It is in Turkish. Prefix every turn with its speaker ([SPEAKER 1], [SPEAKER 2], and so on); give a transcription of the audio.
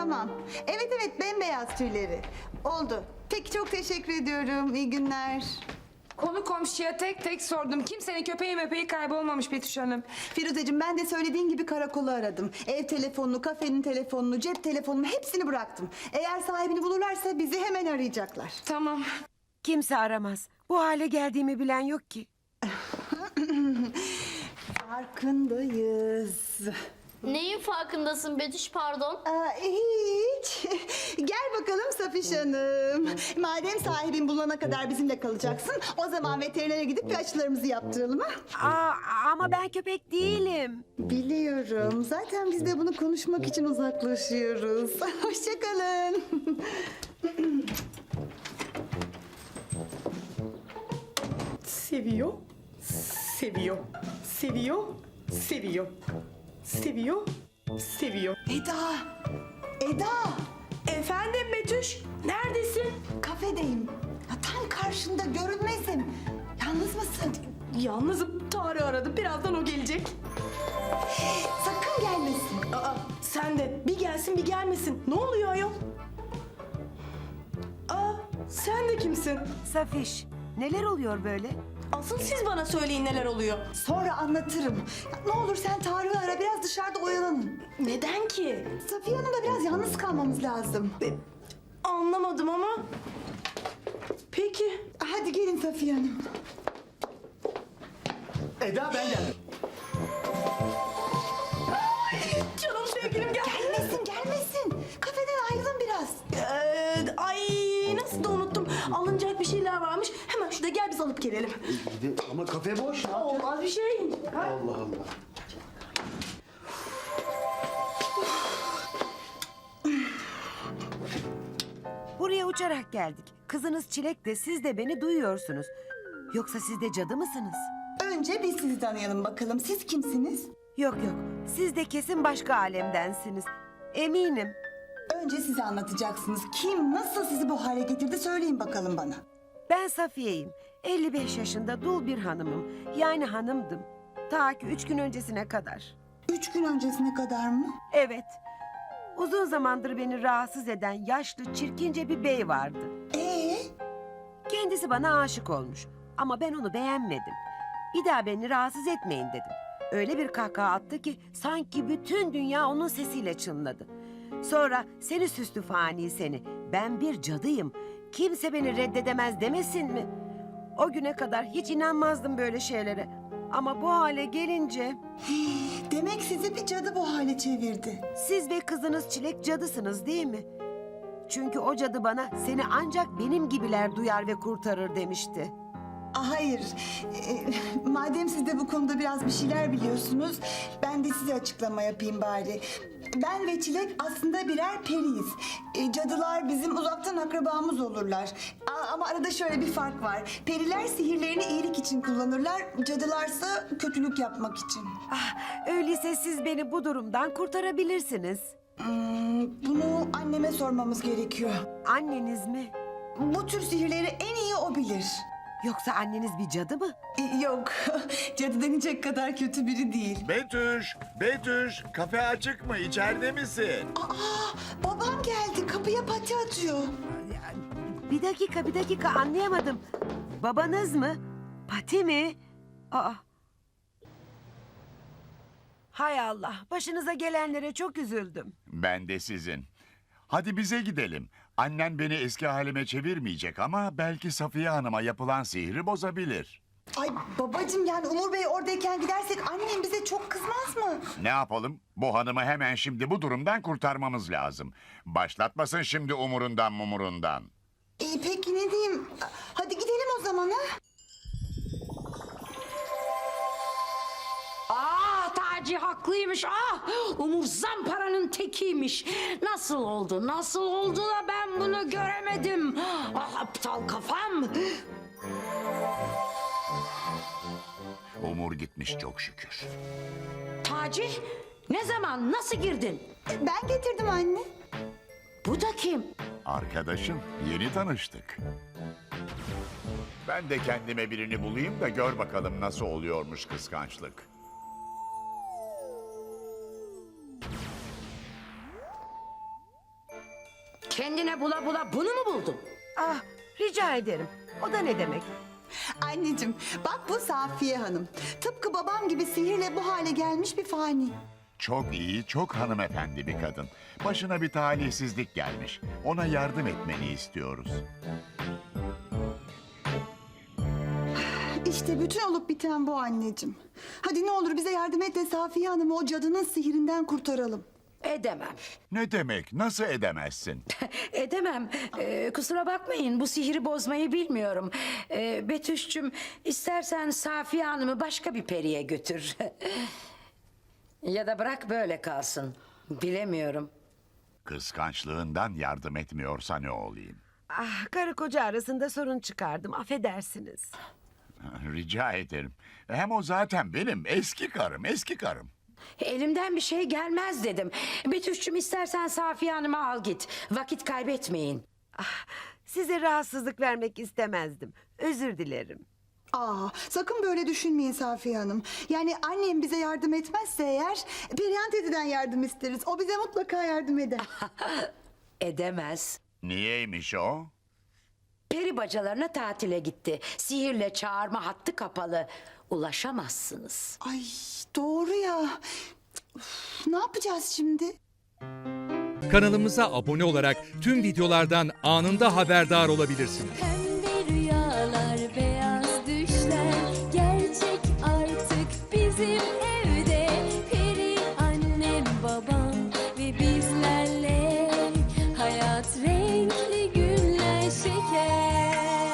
[SPEAKER 1] tamam. Evet evet, bembeyaz tüyleri. Oldu. Peki, çok teşekkür ediyorum. İyi günler.
[SPEAKER 2] Konu komşuya tek tek sordum. Kimsenin köpeği mepeği kaybolmamış Betüş Hanım.
[SPEAKER 1] Firuzeciğim, ben de söylediğin gibi karakolu aradım. Ev telefonunu, kafenin telefonunu, cep telefonunu hepsini bıraktım. Eğer sahibini bulurlarsa bizi hemen arayacaklar.
[SPEAKER 2] Tamam.
[SPEAKER 3] Kimse aramaz. Bu hale geldiğimi bilen yok ki.
[SPEAKER 1] Farkındayız.
[SPEAKER 4] Neyin farkındasın Betüş, pardon?
[SPEAKER 1] Hiç. Gel bakalım Safiş Hanım. Madem sahibin bulana kadar bizimle kalacaksın, o zaman veterinere gidip bir aşılarımızı yaptıralım ha?
[SPEAKER 3] Ama ben köpek değilim.
[SPEAKER 1] Biliyorum. Zaten biz de bunu konuşmak için uzaklaşıyoruz. Hoşça kalın.
[SPEAKER 5] Seviyor, seviyor, seviyor, seviyor, seviyor, seviyor.
[SPEAKER 1] Eda! Eda!
[SPEAKER 5] Efendim Betüş, neredesin?
[SPEAKER 1] Kafedeyim. Ya, tam karşında, görünmezim. Yalnız mısın?
[SPEAKER 5] Yalnızım, Tarık aradı. Birazdan o gelecek.
[SPEAKER 1] Sakın gelmesin.
[SPEAKER 5] Aa, sen de bir gelsin bir gelmesin. Ne oluyor ayol? Aa, sen de kimsin?
[SPEAKER 3] Safiş, neler oluyor böyle?
[SPEAKER 5] Asıl siz bana söyleyin neler oluyor.
[SPEAKER 1] Sonra anlatırım. Ya, ne olur sen Tarık'ı ara, biraz dışarıda oyalanın.
[SPEAKER 5] Neden ki?
[SPEAKER 1] Safiye Hanım'la biraz yalnız kalmamız lazım.
[SPEAKER 5] Anlamadım ama. Peki.
[SPEAKER 1] Hadi gelin Safiye Hanım.
[SPEAKER 6] Eda, ben geldim.
[SPEAKER 5] Canım sevgilim gel.
[SPEAKER 1] Gelmesin, gelmesin. Kafeden ayrılın biraz.
[SPEAKER 5] Ay nasıl da unuttum. Alınacak bir şeyler varmış. Hemen şurada gel biz alıp gelelim.
[SPEAKER 6] Ama kafe boş. Ne yapacağız?
[SPEAKER 5] Olmaz bir şey.
[SPEAKER 6] Allah Allah.
[SPEAKER 3] Buraya uçarak geldik. Kızınız Çilek de siz de beni duyuyorsunuz. Yoksa siz de cadı mısınız?
[SPEAKER 1] Önce biz sizi tanıyalım bakalım. Siz kimsiniz?
[SPEAKER 3] Yok yok, siz de kesin başka alemdensiniz. Eminim.
[SPEAKER 1] Önce size anlatacaksınız. Kim, nasıl sizi bu hale getirdi söyleyin bakalım bana.
[SPEAKER 3] Ben Safiye'yim. 55 yaşında dul bir hanımım. Yani hanımdım. Ta ki 3 gün öncesine kadar.
[SPEAKER 1] 3 gün öncesine kadar mı?
[SPEAKER 3] Evet. Uzun zamandır beni rahatsız eden yaşlı, çirkince bir bey vardı. Kendisi bana aşık olmuş. Ama ben onu beğenmedim. Bir daha beni rahatsız etmeyin dedim. Öyle bir kahkaha attı ki sanki bütün dünya onun sesiyle çınladı. Sonra seni süslü fani seni, ben bir cadıyım, kimse beni reddedemez demesin mi? O güne kadar hiç inanmazdım böyle şeylere. Ama bu hale gelince
[SPEAKER 1] Demek sizi bir cadı bu hale çevirdi.
[SPEAKER 3] siz ve kızınız Çilek cadısınız değil mi? Çünkü o cadı bana seni ancak benim gibiler duyar ve kurtarır demişti.
[SPEAKER 1] Hayır. Madem siz de bu konuda biraz bir şeyler biliyorsunuz, ben de size açıklama yapayım bari. Ben ve Çilek aslında birer periyiz. Cadılar bizim uzaktan akrabamız olurlar. Ama arada şöyle bir fark var. Periler sihirlerini iyilik için kullanırlar, cadılarsa kötülük yapmak için.
[SPEAKER 3] Öyleyse siz beni bu durumdan kurtarabilirsiniz.
[SPEAKER 1] Bunu anneme sormamız gerekiyor.
[SPEAKER 3] Anneniz mi?
[SPEAKER 1] Bu tür sihirleri en iyi o bilir.
[SPEAKER 3] Yoksa anneniz bir cadı mı?
[SPEAKER 1] Yok, cadı denecek kadar kötü biri değil.
[SPEAKER 7] Betüş, Betüş, kafe açık mı? İçeride misin?
[SPEAKER 1] Babam geldi, kapıya pati atıyor.
[SPEAKER 3] Bir dakika anlayamadım. Babanız mı? Pati mi? Aa. Hay Allah, başınıza gelenlere çok üzüldüm.
[SPEAKER 7] Ben de sizin. Hadi bize gidelim. Annen beni eski halime çevirmeyecek ama belki Safiye Hanım'a yapılan sihri bozabilir.
[SPEAKER 1] Ay babacığım, yani Umur Bey oradayken gidersek annem bize çok kızmaz mı?
[SPEAKER 7] Ne yapalım? Bu hanımı hemen şimdi bu durumdan kurtarmamız lazım. Başlatmasın şimdi umurundan mumurundan.
[SPEAKER 1] Peki ne diyeyim? Hadi gidelim o zaman ha?
[SPEAKER 8] Taci haklıymış. Umur zamparanın tekiymiş. Nasıl oldu? Nasıl oldu da ben bunu göremedim? Aptal kafam.
[SPEAKER 7] Umur gitmiş çok şükür.
[SPEAKER 8] Taci, ne zaman, nasıl girdin?
[SPEAKER 1] Ben getirdim anne.
[SPEAKER 8] Bu da kim?
[SPEAKER 7] Arkadaşım, yeni tanıştık. Ben de kendime birini bulayım da gör bakalım nasıl oluyormuş kıskançlık.
[SPEAKER 8] kendine bula bula bunu mu buldun?
[SPEAKER 3] Ah, rica ederim. O da ne demek?
[SPEAKER 1] Anneciğim bak bu Safiye Hanım. Tıpkı babam gibi sihirle bu hale gelmiş bir fani.
[SPEAKER 7] Çok iyi, çok hanımefendi bir kadın. Başına bir talihsizlik gelmiş. Ona yardım etmeni istiyoruz.
[SPEAKER 1] İşte bütün olup biten bu anneciğim. Hadi ne olur bize yardım et de Safiye Hanım'ı o cadının sihirinden kurtaralım.
[SPEAKER 8] Edemem.
[SPEAKER 7] Ne demek? Nasıl edemezsin?
[SPEAKER 8] Edemem. Kusura bakmayın bu sihiri bozmayı bilmiyorum. Betüş'cüm istersen Safiye Hanım'ı başka bir periye götür. Ya da bırak böyle kalsın. Bilemiyorum.
[SPEAKER 7] Kıskançlığından yardım etmiyorsa ne olayım?
[SPEAKER 3] Ah, karı koca arasında sorun çıkardım. Affedersiniz.
[SPEAKER 7] Rica ederim. Hem o zaten benim eski karım, eski karım.
[SPEAKER 8] Elimden bir şey gelmez dedim. Betüş'cüm istersen Safiye Hanım'ı al git. Vakit kaybetmeyin.
[SPEAKER 3] Size rahatsızlık vermek istemezdim. Özür dilerim.
[SPEAKER 1] Aa, sakın böyle düşünmeyin Safiye Hanım. Yani annem bize yardım etmezse eğer Perihan teyzeden yardım isteriz. O bize mutlaka yardım eder.
[SPEAKER 8] Edemez.
[SPEAKER 7] Niyeymiş o?
[SPEAKER 8] Peri bacalarına tatile gitti. Sihirle çağırma hattı kapalı. Ulaşamazsınız.
[SPEAKER 1] Ay doğru ya. Üf, ne yapacağız şimdi?
[SPEAKER 9] Kanalımıza abone olarak tüm videolardan anında haberdar olabilirsiniz.